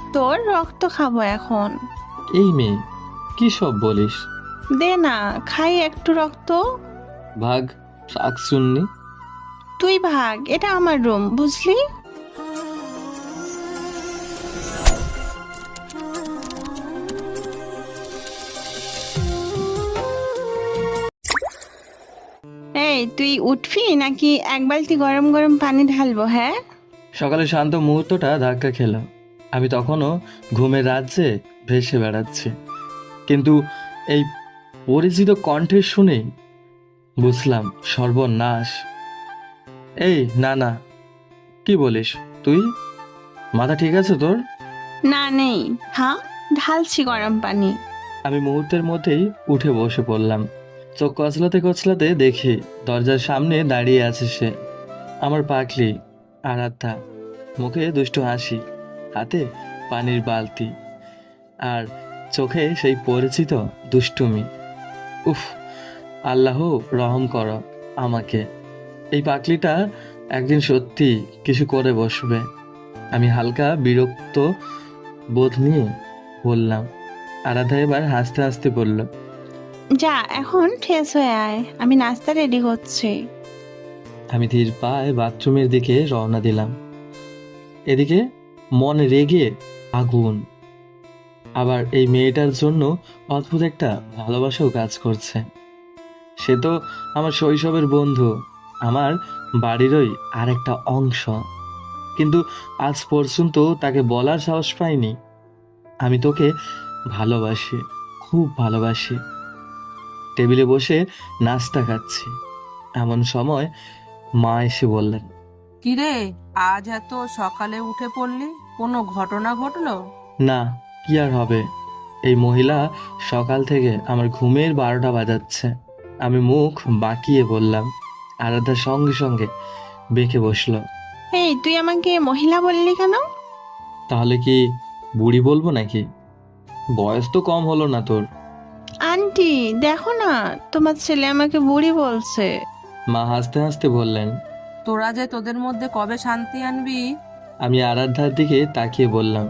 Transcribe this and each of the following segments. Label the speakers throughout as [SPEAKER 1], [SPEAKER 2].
[SPEAKER 1] তোর রক্ত খাবো এখন।
[SPEAKER 2] এই মেয়ে, কি সব বলিস?
[SPEAKER 1] দে না, খাই একটু রক্ত।
[SPEAKER 2] ভাগ, শাকচুন্নি।
[SPEAKER 1] তুই ভাগ, এটা আমার রুম, বুঝলি? এই তুই উঠবি নাকি এক বালতি গরম গরম পানি ঢালবো? হ্যাঁ,
[SPEAKER 2] সকালে শান্ত মুহূর্তটা ধাক্কা খেল। আমি তখনও ঘুমের রাজ্যে ভেসে বেড়াচ্ছি, কিন্তু এই পরিচিত কণ্ঠের শুনে বুঝলাম সর্বনাশ। এই না না, কি বলিস তুই? মাথা ঠিক আছে তোর?
[SPEAKER 1] না নেই। হ্যাঁ, ঢালছি গরম পানি।
[SPEAKER 2] আমি মুহূর্তের মধ্যেই উঠে বসে পড়লাম। চোখ কচলাতে কচলাতে দেখি দরজার সামনে দাঁড়িয়ে আছে সে, আমার পাগলি আরাধ্যা। মুখে দুষ্টু হাসি, হাতে পানির বালতি, আর চোখে সেই পরিচিত দুষ্টুমি। উফ, আল্লাহ রহম করো আমাকে। এই পাগলিটা একদিন সত্যি কিছু করে বসবে। আমি হালকা বিরক্ত বোধ নিয়ে বললাম। আরাধ্যা এবার হাসতে হাসতে বলল,
[SPEAKER 1] যা এখন ঠেস হয়ে আয়, আমি নাস্তা রেডি করছি।
[SPEAKER 2] আমি ধীর পায়ে বাথরুমের দিকে রওনা দিলাম। এদিকে মন রেগে আগুন। আবার এই মেয়েটার জন্য অদ্ভুত একটা ভালোবাসাও কাজ করছে। সে তো আমার শৈশবের বন্ধু, আমার বাড়িরই আরেকটা অংশ, কিন্তু আজ পর্যন্ত তাকে বলার সাহস পাইনি আমি তোকে ভালোবাসি, খুব ভালোবাসি। টেবিলে বসে নাস্তা খাচ্ছি, এমন সময় মা এসে বললেন,
[SPEAKER 3] কিরে, আজ এত সকালে উঠে পড়লি? কোনো ঘটনা ঘটলো?
[SPEAKER 2] না, কি আর হবে, এই মহিলা সকাল থেকে আমার ঘুমের 12টা বাজাচ্ছে। আমি মুখ বাঁকিয়ে বললাম। আরাধ্যার সঙ্গে সঙ্গে বেঁকে বসলো।
[SPEAKER 1] এই তুই আমাকে মহিলা বললি কেন?
[SPEAKER 2] তাহলে কি বুড়ি বলবো নাকি? বয়স তো কম হলো না তোর।
[SPEAKER 1] আন্টি, দেখো না, তোমার ছেলে আমাকে বুড়ি বলছে।
[SPEAKER 2] মা হাসতে হাসতে বললেন।
[SPEAKER 3] তোরা যে তোদের মধ্যে কবে শান্তি আনবি?
[SPEAKER 2] আমি আরাধ্যার দিকে তাকিয়ে বললাম,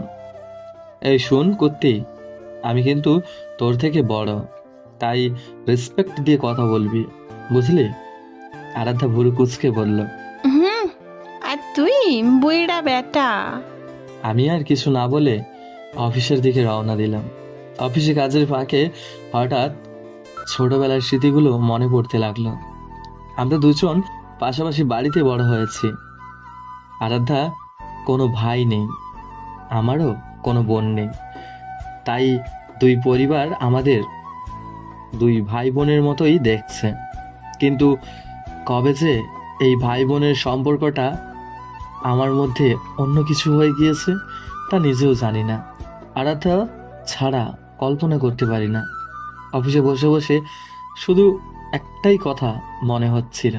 [SPEAKER 2] এই শুন কুত্তি, আমি কিন্তু তোর থেকে বড়, তাই রেসপেক্ট দিয়ে কথা বলবি, বুঝলি? আরাধ্যা ভুরু কুচকে বলল।
[SPEAKER 1] হুম, আর তুই বুড়িটা বেটা।
[SPEAKER 2] আমি আর কিছু না বলে অফিসের দিকে রওনা দিলাম। অফিসে কাজের ফাঁকে হঠাৎ ছোটবেলার স্মৃতিগুলো মনে পড়তে লাগলো। আমরা দুজন পাশাপাশি বাড়িতে বড় হয়েছি। আরাধ্যা কোনো ভাই নেই, আমারও কোনো বোন নেই, তাই দুই পরিবার আমাদের দুই ভাই বোনের মতোই দেখছে। কিন্তু কবে যে এই ভাই বোনের সম্পর্কটা আমার মধ্যে অন্য কিছু হয়ে গিয়েছে তা নিজেও জানি না। আরাধ্যা ছাড়া কল্পনা করতে পারি না। অফিসে বসে বসে শুধু একটাই কথা মনে হচ্ছিল,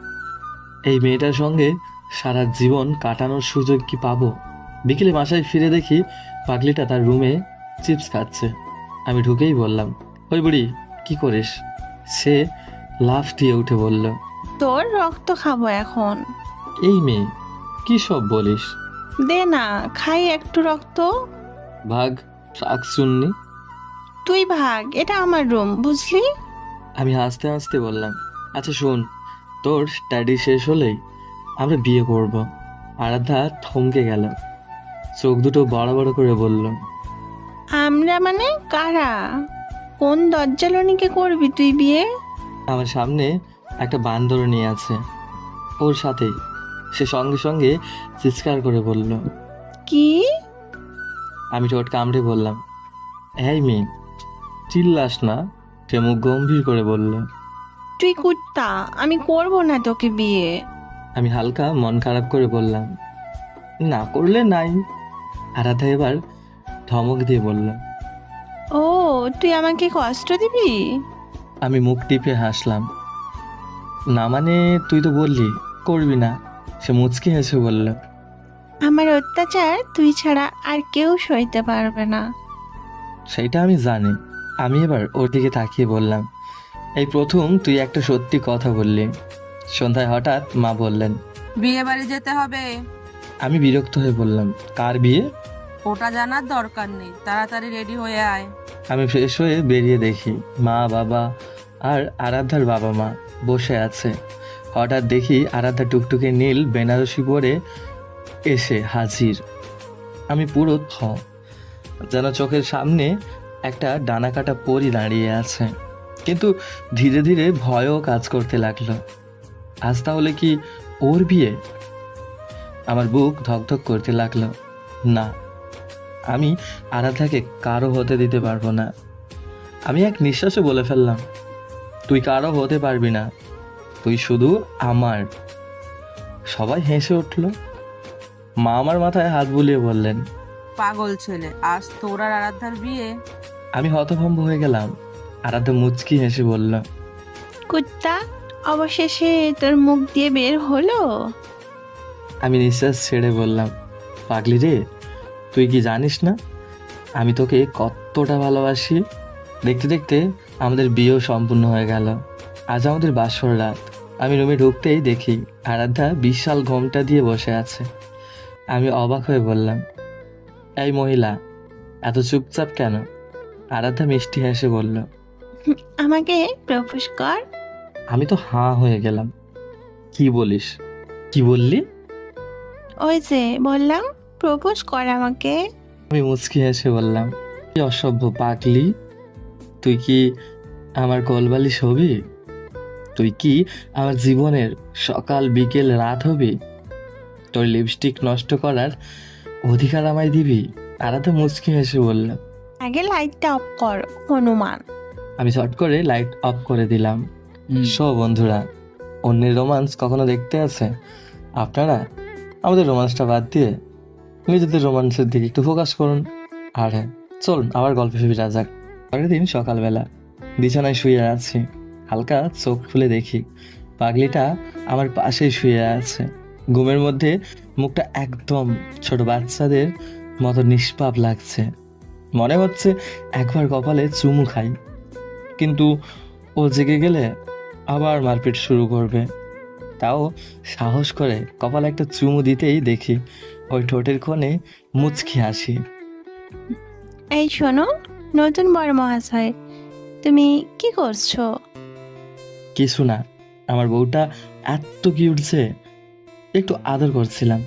[SPEAKER 2] এই মেয়েটার সঙ্গে সারা জীবন কাটানোর সুযোগ কি পাবো? বিকেলে বাসায় ফিরে দেখি পাগলিটা তার রুমে চিপস খাচ্ছে। আমি ঢুকেই বললাম, ওই বুড়ি, কি করিস? সে লাফ দিয়ে উঠে বলল,
[SPEAKER 1] তোর রক্ত খাবো এখন।
[SPEAKER 2] এই মেয়ে, কি সব বলিস?
[SPEAKER 1] দে না, খাই একটু রক্ত।
[SPEAKER 2] ভাগ, শাকচুন্নি।
[SPEAKER 1] তুই ভাগ, এটা আমার রুম, বুঝলি?
[SPEAKER 2] আমি হাসতে হাসতে বললাম, আচ্ছা শোন, তোর স্টাডি শেষ হলেই আমরা বিয়ে করব। আরাধ্যা থমকে গেল, চোখ দুটো বড় বড় করে বলল,
[SPEAKER 1] আমরা মানে কারা? কোন দজ্জালনিকে করবি তুই বিয়ে?
[SPEAKER 2] আমার সামনে একটা বান্দরনী আছে, ওর সাথেই। সে সঙ্গে সঙ্গে চিৎকার করে বলল।
[SPEAKER 1] কি?
[SPEAKER 2] আমি ঠোঁট কামড়ে বললাম, এই মেয়ে, চিল্লাস না। সে মুখ গম্ভীর করে বলল।
[SPEAKER 1] তুই কুত্তা, আমি করব না তোকে বিয়ে।
[SPEAKER 2] আমি হালকা মন খারাপ করে বললাম, না করলে নাই। আরাধ্যা এবার ধমক দিয়ে বলল।
[SPEAKER 1] ও, তুই আমাকে কষ্ট দিবি?
[SPEAKER 2] আমি মুখ টিপে হাসলাম। না মানে, তুই তো বললি করবি না। সে মুচকি হেসে বলল,
[SPEAKER 1] আমার অত্যাচার তুই ছাড়া আর কেউ সইতে পারবে না।
[SPEAKER 2] সেইটা আমি জানি। আমি এবার ওর দিকে তাকিয়ে বললাম, এই প্রথম তুই একটা সত্যি কথা বললি। সন্ধ্যায় হঠাৎ মা বললেন,
[SPEAKER 3] বিয়ে বাড়ি যেতে হবে।
[SPEAKER 2] আমি বিরক্ত হয়ে বললাম, কার বিয়ে?
[SPEAKER 3] ওটা জানার দরকার নেই, তাড়াতাড়ি রেডি হয়ে আয়।
[SPEAKER 2] আমি ফ্রেশ হয়ে বেরিয়ে দেখি মা বাবা আর আরাধ্যার বাবা মা বসে আছে। হঠাৎ দেখি আরাধ্যা টুকটুকে নীল বেনারসি পরে এসে হাজির। আমি পুরো যেন চোখের সামনে একটা ডানা কাটা পরী দাঁড়িয়ে আছে। কিন্তু ধীরে ধীরে ভয়ও কাজ করতে লাগলো। আজ তাহলে কি ওর বিয়ে? আমার বুক ধকধক করতে লাগলো। না, আমি আরাধ্যাকে কারো হতে দিতে পারবো না। আমি এক নিঃশ্বাসে বলে ফেললাম, তুই কারো হতে পারবি না, তুই শুধু আমার। সবাই হেসে উঠল। মা আমার মাথায় হাত বুলিয়ে বললেন,
[SPEAKER 3] পাগল ছেলে, আজ তোর আর আরাধ্যার বিয়ে।
[SPEAKER 2] আমি হতভম্ব হয়ে গেলাম। আরাধ্যা মুচকি হেসে বলল,
[SPEAKER 1] কুত্তা, অবশেষে তোর মুখ দিয়ে বের হলো।
[SPEAKER 2] আমি নিঃশ্বাস ছেড়ে বললাম, পাগলি রে, তুই কি জানিস না আমি তোকে কতটা ভালোবাসি? দেখতে দেখতে আমাদের বিয়েও সম্পূর্ণ হয়ে গেল। আজ আমাদের বাসর রাত। আমি রুমে ঢুকতেই দেখি আরাধ্যা বিশাল ঘোমটা দিয়ে বসে আছে। আমি অবাক হয়ে বললাম, এই মহিলা এত চুপচাপ কেন? আরাধ্যা মিষ্টি হেসে বলল,
[SPEAKER 1] আমাকে প্রপোজ কর।
[SPEAKER 2] আমি তো হাঁ হয়ে গেলাম। কি বলিস? কি বললি?
[SPEAKER 1] ওই যে বললাম, প্রপোজ কর আমাকে।
[SPEAKER 2] আমি মুচকি হেসে বললাম, কি অসভ্য পাগলি, তুই কি আমার কোলবালিশ হবি? তুই কি আমার জীবনের সকাল বিকেল রাত হবি? তোর লিপস্টিক নষ্ট করার অধিকার আমায় দিবি? আরাধ্যা মুচকি হেসে বলল।
[SPEAKER 1] আগে লাইটটা অফ কর হনুমান।
[SPEAKER 2] আমি চট করে লাইট অফ করে দিলাম। বন্ধুরা, অন্যের রোমান্স কখনো দেখতে আছে আপনারা? আমাদের রোমান্সটা বাদ দিয়ে নিজেদের রোমান্সের দিকে একটু ফোকাস করুন। আর হ্যাঁ, চলুন আবার গল্পে ফিরে যাক। পরের দিন সকালবেলা বিছানায় শুয়ে আছি। হালকা চোখ খুলে দেখি পাগলিটা আমার পাশেই শুয়ে আছে। ঘুমের মধ্যে মুখটা একদম ছোট বাচ্চাদের মতো নিষ্পাপ লাগছে। মনে হচ্ছে একবার কপালে চুমু খাই, কিন্তু ও জেগে গেলে আবার মারপিট শুরু করবে। তাও সাহস করে কপালে একটা চুমু দিতেই দেখি ওই ঠোঁটের কোণে মুচকি হাসি।
[SPEAKER 1] এই শোনো, নতুন বড় মহাশয়, তুমি কি করছো?
[SPEAKER 2] কিছু না, আমার বউটা এত কিউট যে একটু আদর করছিলাম।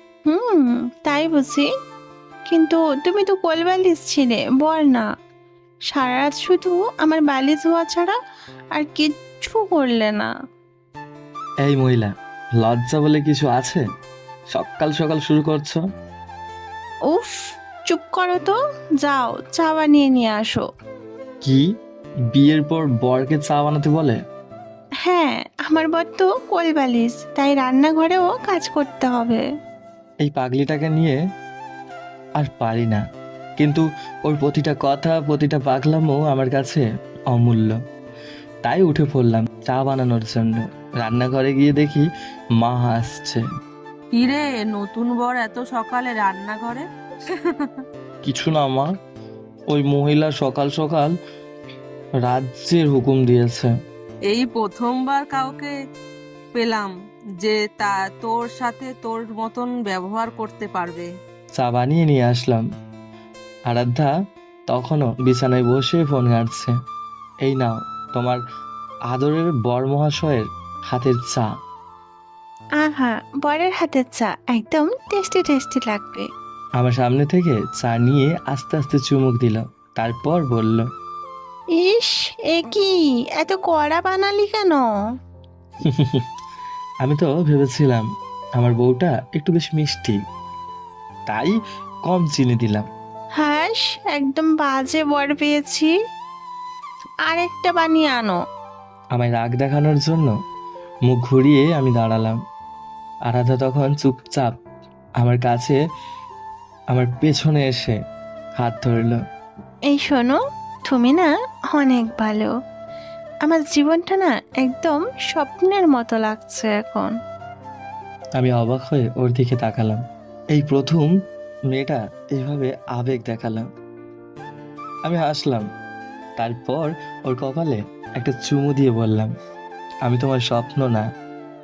[SPEAKER 1] তাই বুঝি? কিন্তু তুমি তো কোল বালিশ ছিলে, বল না। সারা রাত শুধু আমার বালিশ হওয়া ছাড়া আর কিচ্ছু করলে না।
[SPEAKER 2] এই মহিলা, লজ্জা বলে কিছু আছে? সকাল সকাল শুরু করছো।
[SPEAKER 1] উফ, চুপ করো তো। যাও, চা বানিয়ে নিয়ে আসো।
[SPEAKER 2] কি, বিয়ের পর বরকে চা বানাতে বলে?
[SPEAKER 1] হ্যাঁ, আমার বর তো কোল বালিশ, তাই রান্নাঘরেও কাজ করতে হবে।
[SPEAKER 2] এই পাগলিটাকে নিয়ে আর পারি না, কিন্তু ওর প্রতিটা কথা প্রতিটা পাগলামও আমার কাছে অমূল্য। তাই উঠে পড়লাম চা বানানোর জন্য। রান্নাঘরে গিয়ে দেখি মা আসছে।
[SPEAKER 3] কিরে, নতুন বর এত সকালে রান্নাঘরে?
[SPEAKER 2] কিছু না মা, ওই মহিলা সকাল সকাল রাজ্যের হুকুম দিয়েছে।
[SPEAKER 3] এই প্রথমবার কাউকে পেলাম যে তোর সাথে তোর মতন ব্যবহার করতে পারবে।
[SPEAKER 2] চা বানিয়ে নিয়ে আসলাম। আরাধ্যা তখনও বিছানায় বসে ফোন ঘাঁটছে। এই নাও তোমার আদরের বর মহাশয়ের হাতের চা।
[SPEAKER 1] আহা, বরের হাতের চা একদম টেস্টি টেস্টি লাগবে।
[SPEAKER 2] আমার সামনে থেকে চা নিয়ে আস্তে আস্তে চুমুক দিল, তারপর বলল,
[SPEAKER 1] ইস, এ কি এত কড়া বানালি কেন?
[SPEAKER 2] আমি তো ভেবেছিলাম আমার বউটা একটু বেশ মিষ্টি, তাই কম চিনি দিলাম।
[SPEAKER 1] হাস, একদম বাজে বর পেয়েছি। আরেকটা বানিয়ে আনো।
[SPEAKER 2] আমায় রাগ দেখানোর জন্য মুখ ঘুরিয়ে আমি দাঁড়ালাম। আরাধ্যা তখন চুপচাপ আমার কাছে আমার পেছনে এসে হাত ধরল।
[SPEAKER 1] এই শোনো, তুমি না অনেক ভালো। আমার জীবনটা না একদম স্বপ্নের মতো লাগছে এখন।
[SPEAKER 2] আমি অবাক হয়ে ওর দিকে তাকালাম। এই প্রথম মেয়েটা এইভাবে আবেগ দেখালাম। আমি হাসলাম, তারপর ওর কপালে একটা চুমু দিয়ে বললাম, আমি তোমার স্বপ্ন না,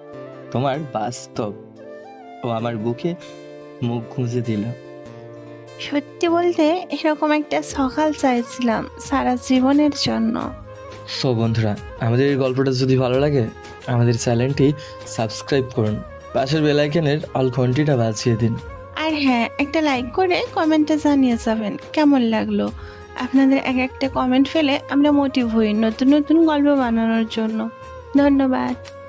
[SPEAKER 2] তোমার বাস্তব। ও আমার বুকে মুখ গুঁজে দিল।
[SPEAKER 1] সত্যি বলতে এরকম একটা সকাল চাইছিলাম সারা জীবনের জন্য।
[SPEAKER 2] সো বন্ধুরা, আমাদের এই গল্পটা যদি ভালো লাগে আমাদের চ্যানেলটি সাবস্ক্রাইব করুন, পাশের বেল আইকনের অল ঘন্টিটা বাজিয়ে দিন।
[SPEAKER 1] আর হ্যাঁ, একটা লাইক করে কমেন্টে জানিয়ে যাবেন কেমন লাগলো। আপনাদের এক একটা কমেন্ট ফেলে আমরা মোটিভ হই নতুন নতুন গল্প বানানোর জন্য। ধন্যবাদ।